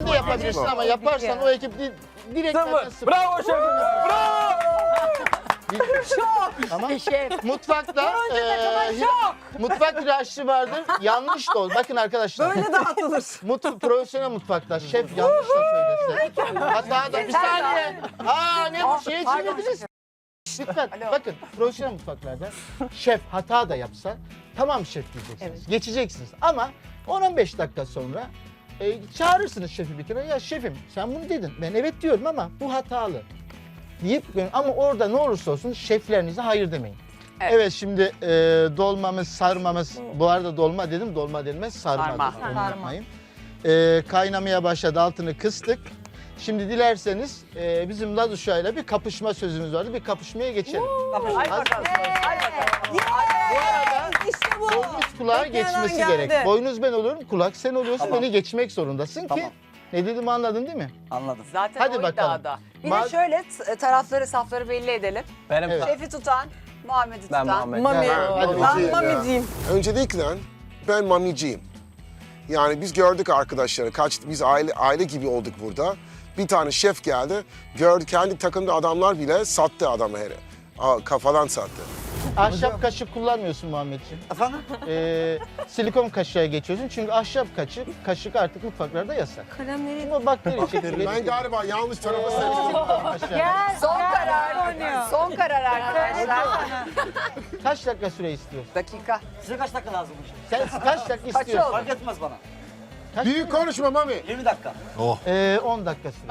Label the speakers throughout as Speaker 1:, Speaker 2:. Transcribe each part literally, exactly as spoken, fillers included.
Speaker 1: de yapabilirsin ama yaparsan o ekip di direkt
Speaker 2: Sıfır.
Speaker 1: sıfır.
Speaker 2: Bravo şefim. Bravo.
Speaker 3: Şok.
Speaker 1: Ama
Speaker 3: Şef.
Speaker 1: mutfakta eee mutfak bir aşçı vardır. Yanlış da olur. Bakın arkadaşlar.
Speaker 4: Böyle dağıtılır.
Speaker 1: Mut, profesyonel mutfakta şef yanlış da söylese. Hatta da bir saniye. Aa ne bu şey çevirdiniz. Lütfen bakın profesyonel mutfaklarda şef hata da yapsa tamam şef diyeceksiniz.
Speaker 3: Evet.
Speaker 1: Geçeceksiniz ama on on beş dakika sonra e, çağırırsınız şefi bir kere. Ya şefim sen bunu dedin. Ben evet diyorum ama bu hatalı. Deyip ama orada ne olursa olsun şeflerinize hayır demeyin.
Speaker 5: Evet.
Speaker 1: Evet, şimdi e, dolmamız, sarmamız, bu arada dolma dedim, dolma denmez, sarma.
Speaker 5: Sarma.
Speaker 1: dedim, onu
Speaker 3: Sarma.
Speaker 1: unutmayın. E, kaynamaya başladı, altını kıstık. Şimdi dilerseniz e, bizim Laz uşağıyla bir kapışma sözümüz vardı, bir kapışmaya geçelim.
Speaker 5: Hadi bakalım. Hadi bakalım.
Speaker 1: Bu arada
Speaker 4: İşte bu.
Speaker 1: boynuz kulağa
Speaker 4: Bekleyen
Speaker 1: geçmesi
Speaker 4: an geldi.
Speaker 1: gerek. Boynuz ben oluyorum, kulak sen oluyorsun,
Speaker 6: Tamam.
Speaker 1: beni geçmek zorundasın ki.
Speaker 6: Tamam.
Speaker 1: Ne dediğimi anladın değil mi?
Speaker 6: Anladım.
Speaker 5: Zaten
Speaker 1: Hadi
Speaker 5: o
Speaker 1: bakalım.
Speaker 5: iddiada. Bir
Speaker 1: Ma-
Speaker 5: de şöyle t- tarafları, safları belli edelim.
Speaker 2: Benim
Speaker 1: Evet.
Speaker 5: Şefi tutan, Muhammed'i
Speaker 2: Ben
Speaker 5: tutan.
Speaker 2: Muhammed.
Speaker 4: Mami.
Speaker 1: Ha, hadi
Speaker 4: Ben
Speaker 1: bakalım.
Speaker 4: mamiciyim.
Speaker 7: Öncelikle ben mamiciyim. Yani biz gördük arkadaşları, kaç biz aile aile gibi olduk burada. Bir tane şef geldi, gördü kendi takımda adamlar bile sattı adamı hele. Aa, kafadan sattı.
Speaker 1: Ahşap kaşık kullanmıyorsun Muhammedciğim.
Speaker 6: Efendim?
Speaker 1: Ee, silikon kaşığa geçiyorsun çünkü ahşap kaşık, kaşık artık mutfaklarda yasak.
Speaker 4: Kalemleri
Speaker 1: Ama bakteri çekirdeği.
Speaker 7: Ben galiba yanlış tarafa
Speaker 1: Silikon
Speaker 7: seçtim.
Speaker 1: kaşığa.
Speaker 5: Son karar. Son karar arkadaşlar.
Speaker 1: Kaç dakika süre istiyorsun?
Speaker 5: Dakika.
Speaker 6: Size kaç dakika lazım?
Speaker 1: Sen kaç dakika
Speaker 5: Kaç
Speaker 1: istiyorsun?
Speaker 5: oldu?
Speaker 6: Fark etmez bana.
Speaker 1: Kaç
Speaker 7: Büyük konuşma Mami.
Speaker 6: yirmi dakika.
Speaker 1: Ee, on dakika süre.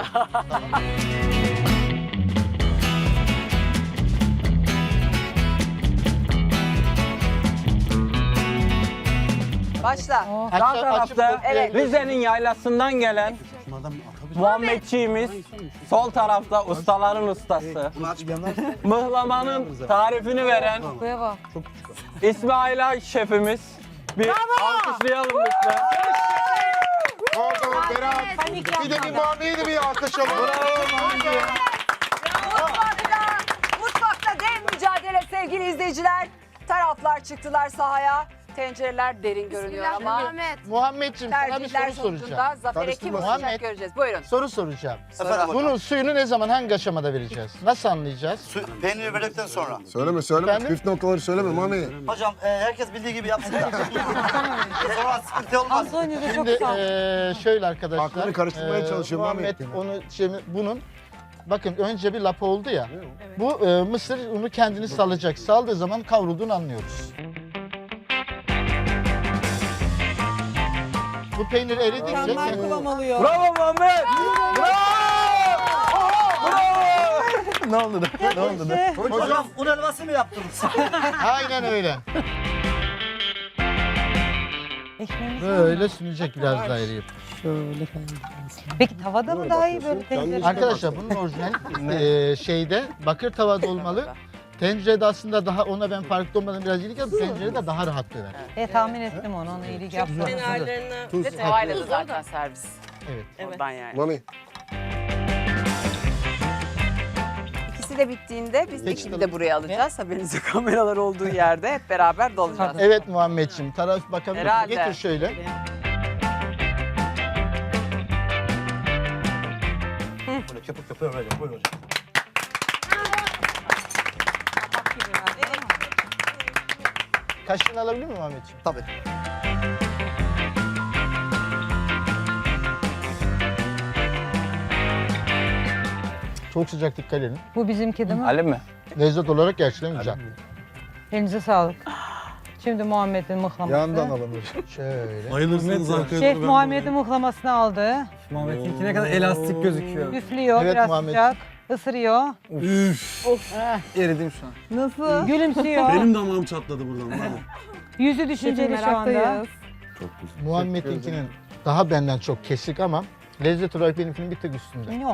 Speaker 5: Başla.
Speaker 2: Sağ
Speaker 1: Açıp- açıp
Speaker 2: tarafta
Speaker 5: Evet.
Speaker 2: Rize'nin yaylasından gelen Muhammedçiğimiz, sol tarafta ustaların ustası,
Speaker 6: Bunu aç bir yandan.
Speaker 2: mıhlamanın tarifini veren
Speaker 3: Buraya bak.
Speaker 2: İsmail şefimiz. Bir alkışlayalım lütfen.
Speaker 7: Pardon Berat. Bir de bir Mami'yi de bir alkışlayalım.
Speaker 5: Mutfakta, mutfakta dev mücadele sevgili izleyiciler. Taraflar çıktılar sahaya. Tencereler derin görünüyor ama
Speaker 1: Muhammedciğim sana bir
Speaker 5: tercihler
Speaker 1: soru soracağım.
Speaker 5: sonucunda zafere kim
Speaker 7: Karıştırma.
Speaker 5: ulaşacak
Speaker 1: Muhammed.
Speaker 5: göreceğiz. Buyurun.
Speaker 1: Soru soracağım.
Speaker 6: Efendim hocam.
Speaker 1: Bunun suyunu ne zaman, hangi aşamada vereceğiz? Nasıl anlayacağız?
Speaker 6: Su, peyniri verdikten sonra.
Speaker 7: Söyleme söyleme.
Speaker 1: Efendim?
Speaker 7: Püf noktaları söyleme Mami.
Speaker 6: Hocam e, herkes bildiği gibi yapsın da. Sonra sıkıntı olmaz.
Speaker 3: Antonio da çok
Speaker 1: Şimdi
Speaker 3: sağ ol.
Speaker 1: eee, şöyle arkadaşlar.
Speaker 7: Aklını karıştırmaya çalışıyor
Speaker 1: Muhammed
Speaker 7: Muhammed.
Speaker 1: onu şimdi bunun bakın önce bir lapa oldu ya. Bu eee, mısır unu kendini salacak. Saldığı zaman kavrulduğunu anlıyoruz. Bu peynir eridikçe
Speaker 4: mükemmel kıvam alıyor.
Speaker 2: Bravo Muhammed! Bravo! Bravo!
Speaker 1: ne oldu da? Ne oldu da?
Speaker 6: Hocam un helvası mı yaptınız?
Speaker 1: Aynen öyle.
Speaker 3: Ekmeğimiz
Speaker 1: Böyle sünecek biraz daha eriyip.
Speaker 3: Peki tavada mı daha iyi böyle tencere?
Speaker 1: Arkadaşlar bunun orijinal eee, şeyde bakır tavada olmalı. Tencerede aslında daha ona ben farklı olmadan biraz iyilik yaptım. Tencerede daha rahat döner.
Speaker 3: E tahmin ettim onu, ona iyilik yaptım.
Speaker 5: Ve tavayla da zaten servis.
Speaker 1: Evet.
Speaker 5: Oradan yani.
Speaker 7: Mami.
Speaker 5: İkisi de bittiğinde biz
Speaker 1: Peki,
Speaker 5: ekibi
Speaker 1: tabii.
Speaker 5: de buraya alacağız. Haberinize kameralar olduğu yerde hep beraber dolacağız.
Speaker 1: Evet Muhammedciğim, taraf bakabilir misin?
Speaker 5: Herhalde.
Speaker 1: Getir şöyle.
Speaker 6: Böyle köpük köpüğü böyle. Buyurun hocam.
Speaker 1: Kaşığını alabilir miyim Muhammedciğim?
Speaker 6: Tabii.
Speaker 1: Çok sıcak, dikkat edin.
Speaker 3: Bu bizimki değil mi?
Speaker 2: Ali mi?
Speaker 1: Lezzet olarak gerçekten güzel.
Speaker 3: Elinize sağlık. Şimdi Muhammed'in mıhlaması.
Speaker 7: Yandan alınır.
Speaker 1: Şöyle.
Speaker 8: Bayılırsınız arkaya
Speaker 3: Şef
Speaker 8: doğru ben
Speaker 3: Muhammed'in mıhlamasını aldı.
Speaker 2: Muhammed'inki ne kadar elastik gözüküyor.
Speaker 3: Üflüyor,
Speaker 1: Evet,
Speaker 3: biraz
Speaker 1: Muhammed.
Speaker 3: sıcak. Isırıyor.
Speaker 2: Eridim şu an.
Speaker 4: Nasıl?
Speaker 3: Gülümsüyor.
Speaker 8: Benim damağım çatladı buradan. Vallahi.
Speaker 3: Yüzü düşünceli şu anda.
Speaker 1: Muhammed'inkinin daha benden çok kesik ama lezzet olarak benimkinin bir tık üstünde.
Speaker 3: Yo.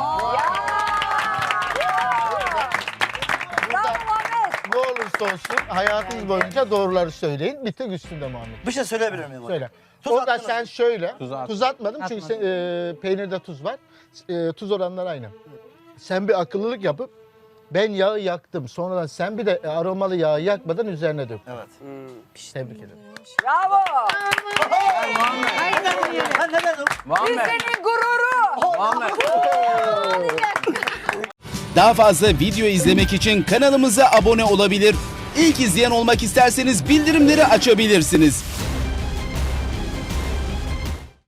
Speaker 5: Bravo Muhammed.
Speaker 1: Ne olursa olsun hayatınız boyunca doğruları söyleyin. Bir tık üstünde Muhammed.
Speaker 6: Bir şey söyleyebilir miyim hocam?
Speaker 1: Söyle.
Speaker 6: Tuz
Speaker 1: O da
Speaker 6: attınız
Speaker 1: sen
Speaker 6: mı?
Speaker 1: şöyle.
Speaker 2: Tuz at-
Speaker 1: Tuz atmadım çünkü sen, e, peynirde tuz var. E, tuz oranları aynı. Sen bir akıllılık yapıp ben yağı yaktım. Sonradan sen bir de aromalı yağı yakmadan üzerine dök.
Speaker 6: Evet.
Speaker 1: Tebrik ederim.
Speaker 5: Bravo.
Speaker 6: Ben ne dedim?
Speaker 2: Muhammed.
Speaker 5: Rize'nin gururu
Speaker 2: Amen.
Speaker 4: Daha fazla video izlemek için kanalımıza abone olabilir. İlk izleyen olmak isterseniz bildirimleri açabilirsiniz.